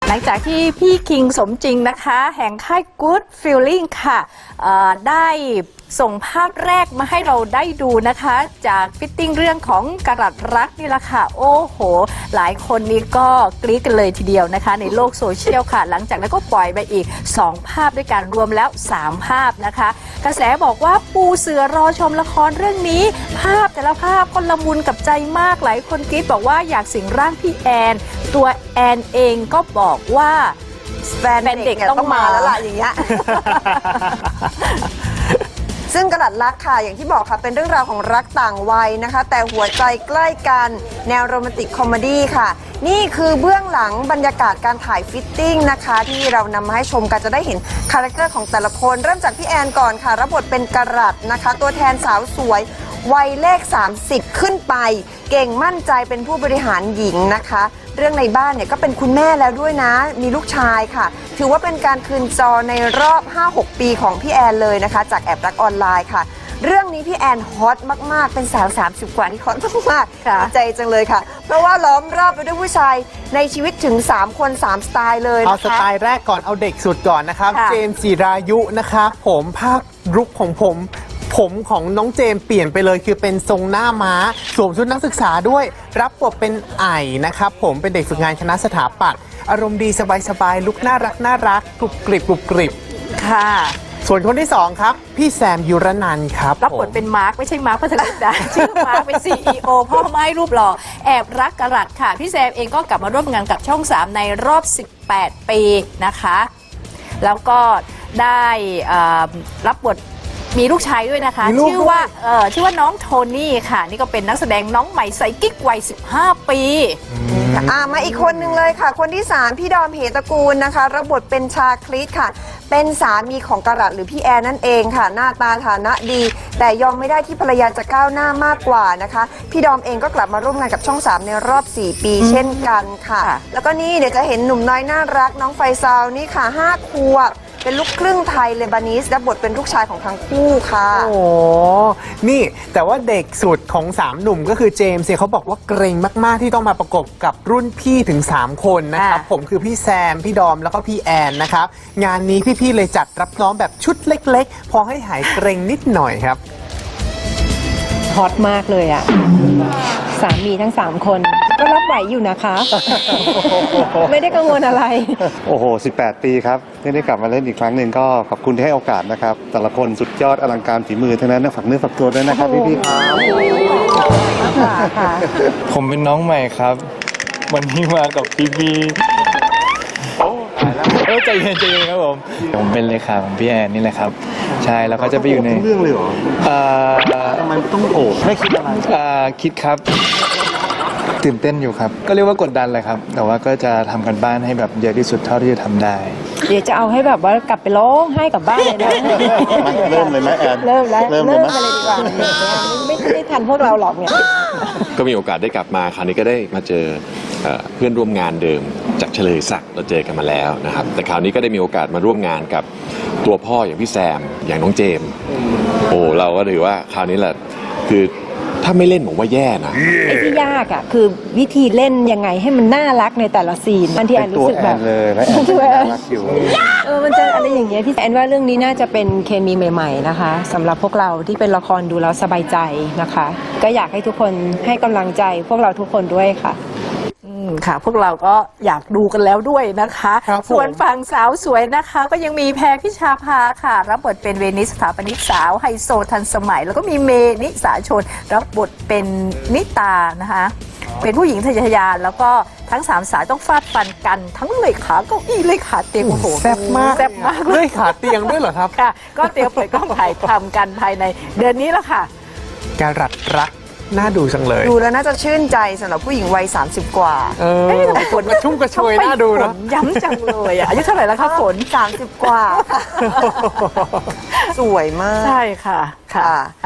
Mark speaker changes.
Speaker 1: หลังจากที่พี่คิงสมจริงนะคะแห่งค่าย Good Feeling ค่ะได้ส่งภาพแรกมาให้เราได้ดูนะคะจากฟิตติ้งเรื่องของกะรัตรักนี่แหละค่ะโอ้โหหลายคนนี้ก็กรี๊ดกันเลยทีเดียวนะคะในโลกโซเชียลค่ะหลังจากนั้นก็ปล่อยไปอีก2ภาพด้วยกันรวมแล้ว3ภาพนะคะกระแสบอกว่าปูเสือรอชมละครเรื่องนี้ภาพแต่ละภาพก็ละมุนกับใจมากหลายคนกรี๊ดบอกว่าอยากสิงร่างพี่แอนตัวแอนเองก็บอกว่า
Speaker 2: แฟนเด็กต้องมาแล้วล่ะอย่างเงี้ย ซึ่งกระดัดรักค่ะอย่างที่บอกค่ะเป็นเรื่องราวของรักต่างวัยนะคะแต่หัวใจใกล้กันแนวโรแมนติกคอมเมดี้ค่ะนี่คือเบื้องหลังบรรยากาศการถ่ายฟิตติ้งนะคะที่เรานำมาให้ชมกันจะได้เห็นคาแรคเตอร์ของแต่ละคนเริ่มจากพี่แอนก่อนค่ะรับบทเป็นกระดัดนะคะตัวแทนสาวสวยวัยเลข30ขึ้นไปเก่งมั่นใจเป็นผู้บริหารหญิงนะคะเรื่องในบ้านเนี่ยก็เป็นคุณแม่แล้วด้วยนะมีลูกชายค่ะถือว่าเป็นการคืนจอในรอบ 5-6 ปีของพี่แอนเลยนะคะจากแอบรักออนไลน์ค่ะเรื่องนี้พี่แอนฮอตมากๆเป็นสาว30กว่าที่ฮอตมากๆใจจังเลยค่ะเพราะว่าล้อมรอบไปด้วยผู้ชายในชีวิตถึง3คน3สไตล์เลย
Speaker 3: เอาสไตล์แรกก่อนเอาเด็กสุดก่อนนะครับเจมส์จิรายุนะคะผมภาพลุคของผมของน้องเจมเปลี่ยนไปเลยคือเป็นทรงหน้าม้าสวมชุดนักศึกษาด้วยรับบทเป็นไอ่นะครับผมเป็นเด็กฝึกงานคณะสถาปัตย์อารมณ์ดีสบายๆลุคน่ารักกรุบกริบ
Speaker 1: ค่ะ
Speaker 3: ส่วนคนที่2ครับพี่แซมยุรนันท์ครับ
Speaker 1: รับบทเป็นมาร์คไม่ใช่มาร์คพัทรดาชื่อมาร์คเป็น CEO พ่อไม้รูปหล่อแอบรักกะรัตค่ะพี่แซมเองก็กลับมาร่วมงานกับช่อง3ในรอบ18ปีนะคะแล้วก็ได้รับบทมีลูกชายด้วยนะคะชื่อว่าน้องโทนี่ค่ะนี่ก็เป็นนักแสดงน้องใหม่ใสกิ๊กวัย15 ปี
Speaker 2: มาอีกคนนึงเลยค่ะคนที่3พี่ดอมเหตระกูลนะคะรับบทเป็นชาคริสค่ะเป็นสามีของกะรัตหรือพี่แอนนั่นเองค่ะหน้าตาฐานะดีแต่ยอมไม่ได้ที่ภรรยาจะก้าวหน้ามากกว่านะคะพี่ดอมเองก็กลับมาร่วมงานกับช่อง3ในรอบ4ปีเช่นกันค่ะแล้วก็นี่เดี๋ยวจะเห็นหนุ่มน้อยน่ารักน้องไฟซาวนี่ค่ะ5 ขวบเป็นลูกครึ่งไทยเลบานีสและบทเป็นลูกชายของทั้งคู่ค่ะ
Speaker 3: โอ้นี่แต่ว่าเด็กสุดของ3หนุ่มก็คือเจมส์เขาบอกว่าเกรงมากๆที่ต้องมาประกบกับรุ่นพี่ถึง3คนนะครับผมคือพี่แซมพี่ดอมแล้วก็พี่แอนนะครับงานนี้พี่ๆเลยจัดรับน้องแบบชุดเล็กๆพอให้หายเกรงนิดหน่อยครับ
Speaker 4: ฮอตมากเลยอ่ะสามีทั้ง3คนก็รับไหวอยู่นะคะ ไม่ได้กังวลอะไร
Speaker 5: โอ้โห18 ปีครับที่ได้กลับมาเล่นอีกครั้งหนึ่งก็ขอบคุณที่ให้โอกาสนะครับแต่ละคนสุดยอดอลังการฝีมือทั้งนั้นฝากเนื้อฝากตัวด้วยนะครับพี่ๆ
Speaker 4: ครับ
Speaker 6: ผมเป็นน้องใหม่ครับวันนี้มากับพี่ใจเย็นครับผมเป็นเลขาของพี่แอนนี่แหละครับใช่แล้วก็จะไปอยู่ใน
Speaker 5: เรื่องเลยเหรอทำไมต้องโอบไม่คิดอะไร
Speaker 6: คิดครับตื่นเต้นอยู่ครับก็เรียกว่ากดดันเลยครับแต่ว่าก็จะทำกันบ้านให้แบบเยอะที่สุดเท่าที่จะทำได้
Speaker 4: เดี๋ยวจะเอาให้แบบว่ากลับไปร้องให้กับบ้านเลยนะ
Speaker 5: เริ่มเลยไหมแอน
Speaker 4: เริ่มกันเลยดีกว่าไม่ได้ทันพวกเราหรอกเนี่ย
Speaker 7: ก็มีโอกาสได้กลับมาคราวนี้ก็ได้มาเจอเพื่อนร่วมงานเดิมจากเฉลยศักดิ์เราเจอกันมาแล้วนะครับแต่คราวนี้ก็ได้มีโอกาสมาร่วมงานกับตัวพ่ออย่างพี่แซมอย่างน้องเจมโอ้เราก็ถือว่าคราวนี้แหละคือถ้าไม่เล่นผมว่าแย่นะ
Speaker 4: ไอ้ที่ยากอ่ะคือวิธีเล่นยังไงให้มันน่ารักในแต่ละซีนบางทีแอนรู้สึกแบบ
Speaker 5: เลยและแอนน่ารักอยู่
Speaker 4: มันจะอะไรอย่างเงี้ยพี่แอนว่าเรื่องนี้น่าจะเป็นเคมีใหม่ๆนะคะสำหรับพวกเราที่เป็นละครดูแล้วสบายใจนะคะก็อยากให้ทุกคนให้กำลังใจพวกเราทุกคนด้วยค่ะ
Speaker 1: ค่ะพวกเราก็อยากดูกันแล้วด้วยนะคะส่วนฝั่งสาวสวยนะคะก็ยังมีแพรพิชาภาค่ะรับบทเป็นเวนิสสถาปนิกสาวไฮโซทันสมัยแล้วก็มีเมนิสาชนรับบทเป็นนิตานะคะเป็นผู้หญิงทะเยอทะยานแล้วก็ทั้ง3สาวต้องฟาดฟันกันทั้งเลยขาเก้าอี้เลยขาเตียงโอ้โห
Speaker 3: แซ่บมากเลยขาเตียงด้วยเหรอครับ
Speaker 1: ค่ะก็เตรียมเปิดกล้องถ่ายทำกันภายในเดือนนี้แล้วค่ะ
Speaker 3: กะรัตรักน่าดูจังเลย
Speaker 2: ดูแล้วน่าจะชื่นใจสำหรับผู้หญิงวัย30กว่า
Speaker 3: ฝนกระชุ่มกระชวยน่าดูนะ
Speaker 1: ย้ำจังเลยอายุเท่าไหร่แล้วคะฝน
Speaker 2: 30กว่าสวยมาก
Speaker 1: ใช่ค่ะ